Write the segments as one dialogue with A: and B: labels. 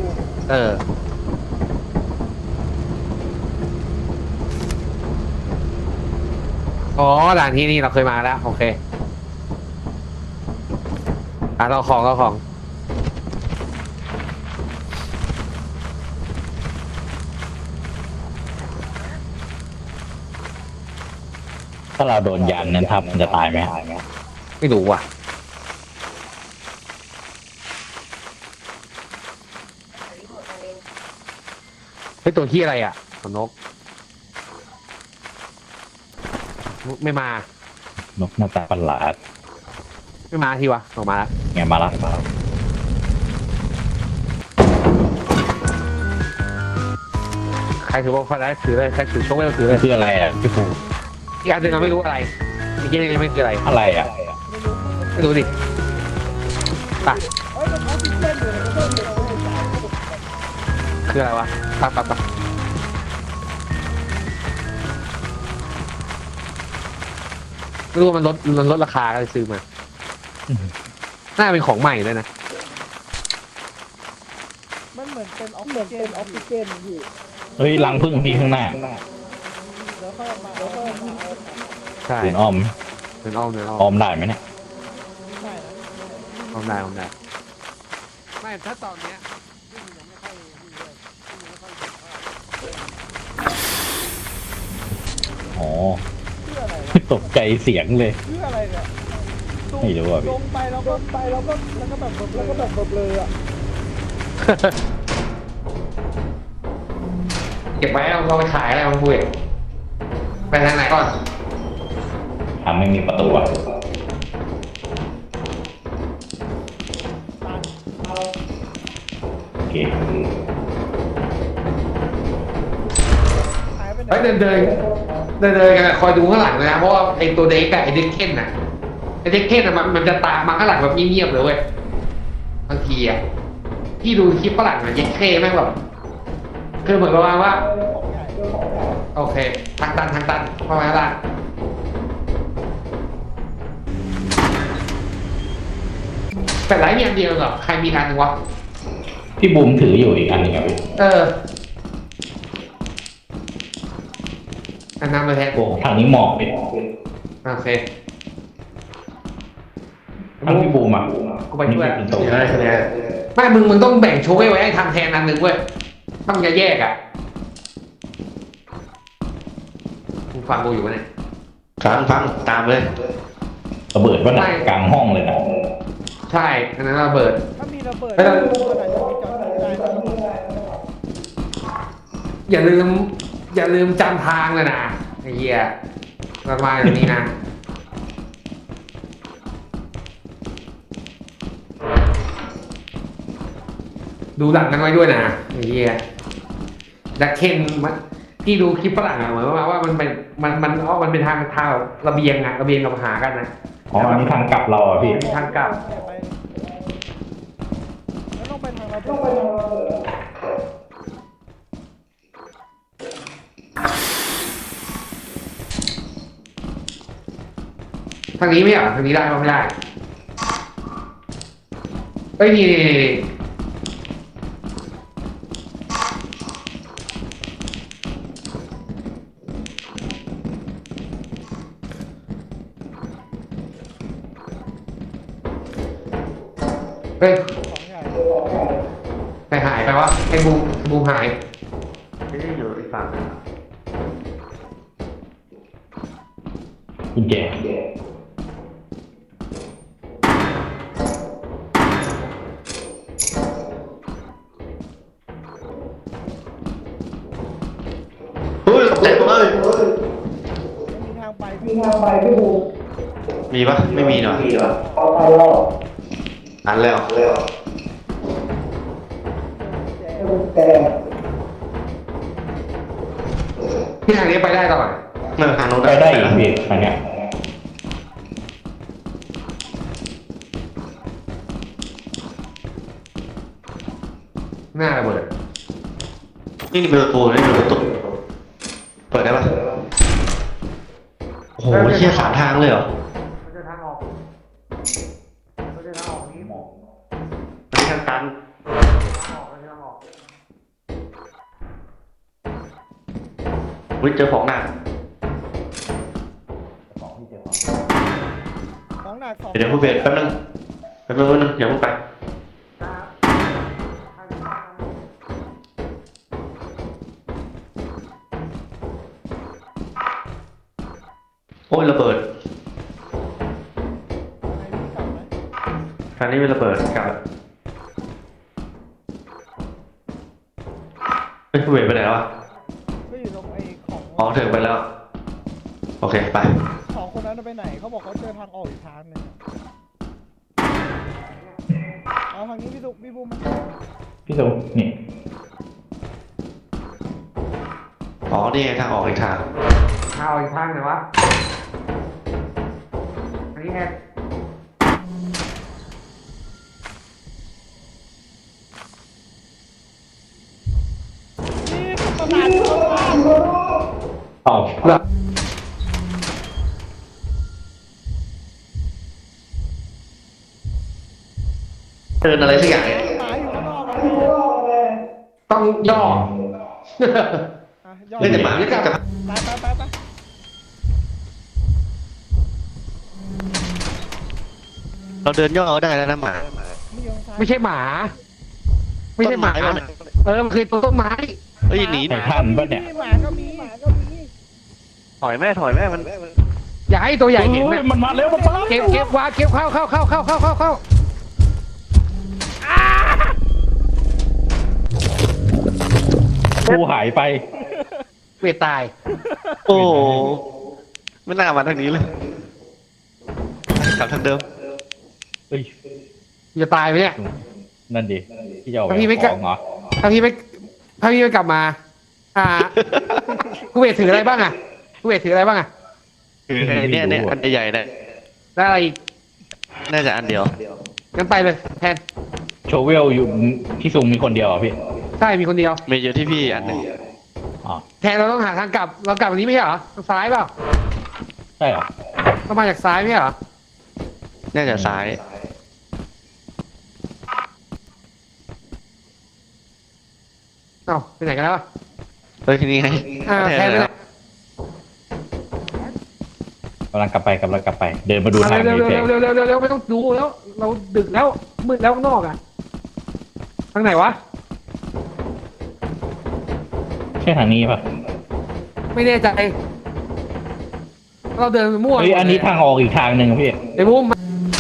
A: เอออ๋อด่านที่นี่เราเคยมาแล้วโอเคเราของ
B: ถ้าเราโดนยันนั้นทับมันจะตายไหม
A: ไม่รู้ว่ะเฮ้ยตัวที่อะไรอ่ะตัวนกไม่มาน
B: กหน้าตาประหลาด
A: ไม่มาทีวะออกมาแล้ว
B: ไงมาละ
A: ใครถือว่าพอได้ถือเลยใครถือโชคไม่ต้องถือเลย
B: คืออะไรอ่ะพี่ภู
A: อีกอันหนึ่งเราไม่รู้อะไรอีกอันหนึงยังไม่คืออะไร
B: อะไรอ่ะ
A: ไม่รู้ดิไปคืออะไรวะไปไม่รู้ว่ามันลดราคาก็เลยซื้อมาน่าเป็นของใหม่ด้วยนะ
C: มันเหมือนเป็นออกซิเจนพี่
B: เฮ้ยรังพึ่งพี่ข้างหน้า
C: แล้วก็มาเอา
A: ใช่
B: ปืนอ้อม
A: เดินอ้อมเดินอ้อ
B: อ้อ
A: ม
B: มได้ไหมเนี่ย
C: ได้นะ
A: อ้อมได้ไม่ถ้าตอนเนี้ย
B: อ๋อ
C: เพื่ออะไรวะ
B: ตกใจเสียงเลย
C: เพื่ออะไรเนี่ย
B: ไม่รู้อ่ะ
C: ล
B: พี่
C: งไปแล้วก็แบบเบลออ่ะ
A: เก็บไว้เราไปขายอะไรมาคุยไปทางไหนก่อน
B: ทำไม่มีประตูอ่ะโอเค
C: หายไปไหน
A: เฮ้ยเดินกันอะคอยดูข้างหลังเลยนะเพราะว่าไอตัวเด็กอะไอเด็กเค้นอะไอเด็กเค้นอะมันจะตามมาข้างหลังแบบเงียบๆเลยเว้ยบางทีอะพี่ดูคลิปฝรั่งอะเด็กเค้แม่งแบบคือเหมือนประมาณว่า
C: ของใหญ่
A: โอเคทางตันเข้ามาข้างล่างแต่ไลฟ์มีอันเดียวเหรอใครมีอันหนึงวะ
B: พี่บูมถืออยู่อีกอันหนึงอ่ะพี่
A: อันนั้นมาแทน
B: โอ้ทางนี้หมอกพี่
A: โอเค
B: ทางพี่บูมอ่ะ
A: กูไปด้วย
B: นี่เป็นตัว
A: ไม่มึงต้องแบ่งโชว์ไว้ให้ทำแทนอันหนึ่งเว้ยต้องจะแยกอ่ะมึงฟังกูอยู่ปะเนี่ย
D: ฟังตามเลย
B: ระเบิดว่าหนักกลางห้องเลยนะ
A: ใช่อันนั้นระเบิด
C: ถ้ามีระเบิด
A: ไม่ต้อง
C: ขนาดจะมีจอดได้นะ
A: อย่าลืมจำทางเลยนะไอ้เหี้ยประมาณนี้นะดูหลังกันไว้ด้วยนะไอ้เหี้ยดักเคนมันพี่ดูคลิปฝรั่งอะเหมือนว่ามันเป็นทางระเบียงอะระเบียงกับหากันนะ
B: อ๋ออันนี้ทางกลับเราอ่ะพี่
A: ทางกลับ
C: ไปแล้วต้องไปทางระเบิด
A: ทางนี้ไม่เหรอทางนี้ได้ไม่ได้เอ้ยนี่เฮ้ย
C: ของใหญ่
A: ไปหายไปวะไอ้บูมหายไม่ได้อยู่อีกฝั่ง
B: กุญแจ
D: เฮ้ยตกใจหมดเลย
C: มีทางไป
D: มีปะไม่มีหน่อยอันแล้ว
A: ที่ทางนี้ไปได้ตลอด
D: ทางโน้น
B: ไปได้อีกพี่ทางเนี้ย
A: หน้าระเบิด
D: นี่เป็นประตูนี่เป็นประตูเปิดได้ปะโอ้โหเชี่ยสามทางเลยเหรอ
A: มันจะทางออกนี้
D: อันนี้ทางตัน
A: ทางออก
D: อุ้ยเจอของหนัก
C: ของหนักสอง
D: เดี๋ยวพูดเบสแป๊บนึงอย่าพูดไปโอ้ยระเบิด
C: ให้พี่กลับไหม
D: ครั้งนี้เป็นระเบิดกลับเฮ้ยพูดเบสไปไหนแล้ววะ
C: ก็อยู่ตรงไอ้ของ
D: อ๋อถึงไปแล้วโอเคไป
C: สองคนนั้นไปไหนเขาบอกเขาเจอทางออกอีกทางหนึ่งเอาทางนี้พี่ดุพี่บูมมา
B: พี่สุนี่
D: อ๋อนี่ไงทางออกอีกทาง
A: ข้าวอีกทางไหนวะอันนี้แค่
C: นี่ประหลาดมาก
B: ตอบ
A: เหรอ
D: เดินอะไรสักอย่างเนี่ย
C: หมาอยู่ข้างนอกอะ
A: ต้องย่อ
C: อ่ะยอด
D: เล่นแต่หมาไม่กลับ
C: ไป
D: เราเดินย่อก็ได้แล้วนะหมา
C: นี่อยู่ทางซ้าย
A: ไม่ใช่หมา ไม่ใช่หมา
D: ต้นไม้วะ
A: มันคือตัวต้นไม้
D: เฮ้ยหนี
B: ไททันปะเนี่ย
C: หมาก็มี
D: ถอยแม่มัน
A: อย่าให้ตัวใหญ่เห็น
B: เฮ้ย
A: นะ
B: มันมาเร็วมันมา
A: เก็บวางเก็บเข้า
B: กูหายไป
A: เวทตาย
D: โอ้โหไม่น่ามาทางนี้เลยกลับทางเดิม
B: เฮ้ย
A: จะตายไหมเนี่ย
B: นั่นดิพี่จะเอาไป
A: พี่ไม่กล้า
B: ของเหรอ
A: ถ้าพี่ไม่กลับมา กูเวทถืออะไรบ้างอ่ะกูเวทถืออะไรบ้างอ่ะ
D: คือไอ้เนี่ยอันใหญ่ๆเนี่ย
A: ได้อะไรอีก
D: น่าจะอันเดียว
A: งั้นไปเลยแทน
B: โชเวลอยู่พี่ซุงมีคนเดียวเหรอพี่
A: ใช่มีคนเดียว
D: มีอยู่ที่พี่อันหนึ่ง
B: อ๋อ
A: แทนเราต้องหาทางกลับ เรากลับวันนี้ไม่ใช่เหรอทางซ้ายเปล่า
B: ใช่เหรอ
A: เรามาจากซ้ายไม่ใช่เหรอ
D: น่าจะซ้าย
A: เอ้าไปไหนกันแล้วอะ
D: เฮ้ยทีนี้ไง
A: แทนไปไหน
B: กำลังกลับไปเดินมาดูทาง
A: เร็ว
B: นี้เฉย
A: เร็วไม่ต้องดูแล้ว เราดึกแล้วมืดแล้วข้างนอกอ่ะทางไหนวะ
B: ใช่ทางนี้ป่ะ
A: ไม่แน่ใจ เราเดินไปมั่ว
B: เฮ้ยอันนี้ทางออกอีกทางหนึ่งอะพี่
A: เดี๋ยวมุม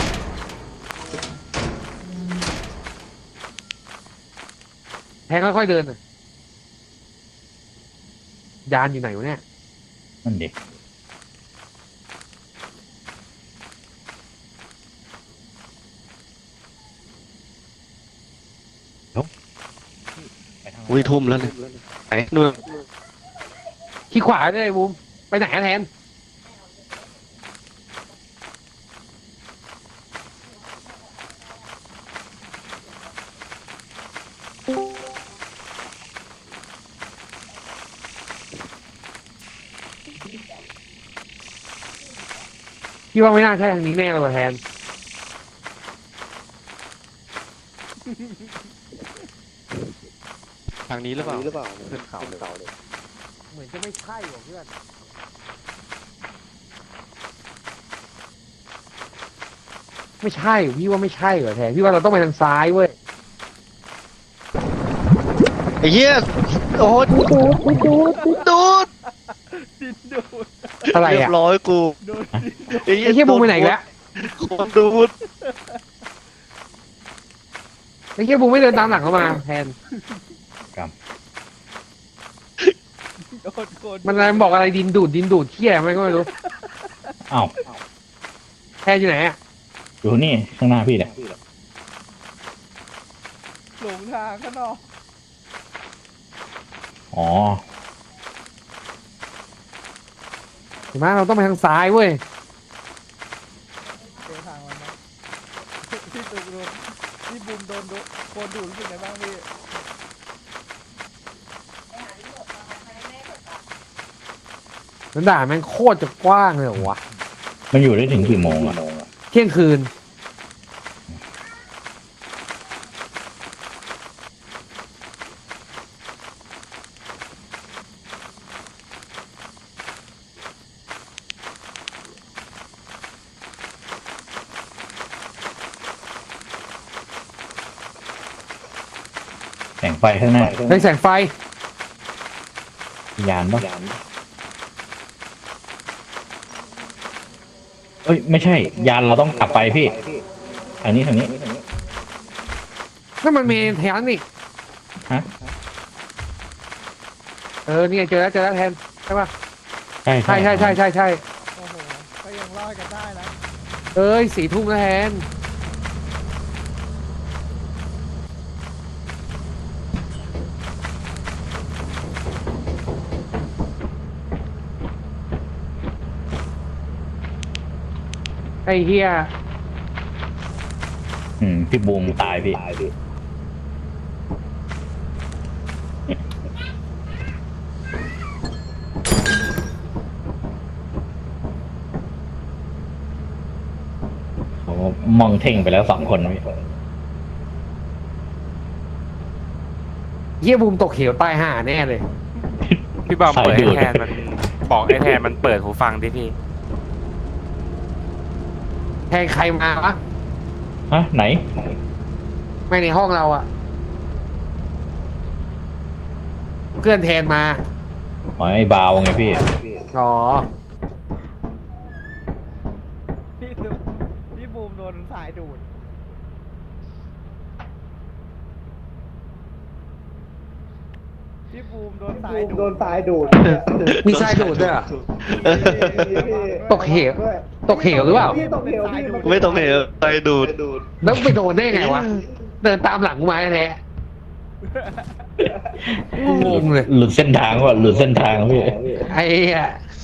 A: แทงค่อยๆเดินน่ะยานอยู่ไหนวะเนี่ย
B: นั่นดิไปทางไหน
D: อุ้ยทุ่มแล้วเนี่ยไหนนู่น
A: ขี้ขวาเลยมุมไปไหนอะแทนพี่ว่าไม่น่าใช่ทางนี้แน่เลยว่ะแทน
D: ทางนี้หรือเปล่าขึ้นเขาเลย
A: เหมือนจะไม่ใช่หรอกเพื่อนไม่ใช่พี่ว่าไม่ใช่เหรอแทนพี่ว่าเราต้องไปทางซ้ายเว้ย
D: ไอ้เหี้ยโอ้โหดูด
C: ดินดูด
A: อะไร
D: เรีย
A: อ่ะ
D: บร้อยกู
C: ดูด
A: ไอ้เหี้ยบูมไปไหนอีกแล้ว
D: คนดูด
A: ไอ้เหี้ยบูมไม่เดินตามหลังเข้ามาแทน
C: โดนโกน
A: มันอะไรมันบอกอะไรดินดูดเที่ยมันก็ไม่รู้
B: อ้าว
A: แทนอยู่ไหนอ่ะ
B: อยู่นี่ข้างหน้าพี่เนี่ย
C: หลงทางข้างนอก
B: อ๋อ
A: เห็นไหมเราต้องไปทางซ้ายเว้ย
C: เจอทางมันนะพี่ตูโดนพี่บูมโดนโกนดูดรู้สึกไงบ้างพี่
A: นั้นด่านแม่งโคตรจะกว้างเลยเหรอวะ
B: มันอยู่ได้ถึงกี่โมงอะ
A: เที่ยงคืน
B: แสงไฟข้างหน้า
A: ในแสงไฟ
B: ยานปะเอ้ยไม่ใช่ ยานเราต้องกลับไปพี่ทางนี้
A: นั่นมันมีแทนนี่
B: ฮะ
A: เนี่ยเจอแล้วแทนใช่ปะ
B: ใช่
A: ใช่
C: โอ้โหก็ยังรอดกันได้นะ
A: 4 ทุ่มแล้วแทนไอ้เฮีย
B: พี่บูมตายพี่เขามองเท่งไปแล้ว2 คนพี่
A: เฮียบูมตกเหวตายห่าแน่เลย
E: พี่บอมเปิดให้แทนมันบอกไอ้แทนมันเปิดหูฟังดิพี่
A: แทนใครมาวะ
B: ฮะไหน
A: ไม่ในห้องเราอะเพื่อนแทนมา
B: อ๋อไอ้บาวไงพี่
A: อ๋อ
C: พี่บูมโดนสายดูดพี่บูมโดนสายดูด
A: มีทรายดูดด้วยเหรอ ตกเหวตกเหวหรือเปล่า
C: พี่ตกเหวพี่
D: ไม่ต้องเหวไปดูด
A: แล้วไปโดนได้ไงวะ เดินตามหลังกูมาแท้งงเลย
B: หลุดเส้นทางว่ะหลุดเส้นทางพี่
A: ไอ้เหี้ย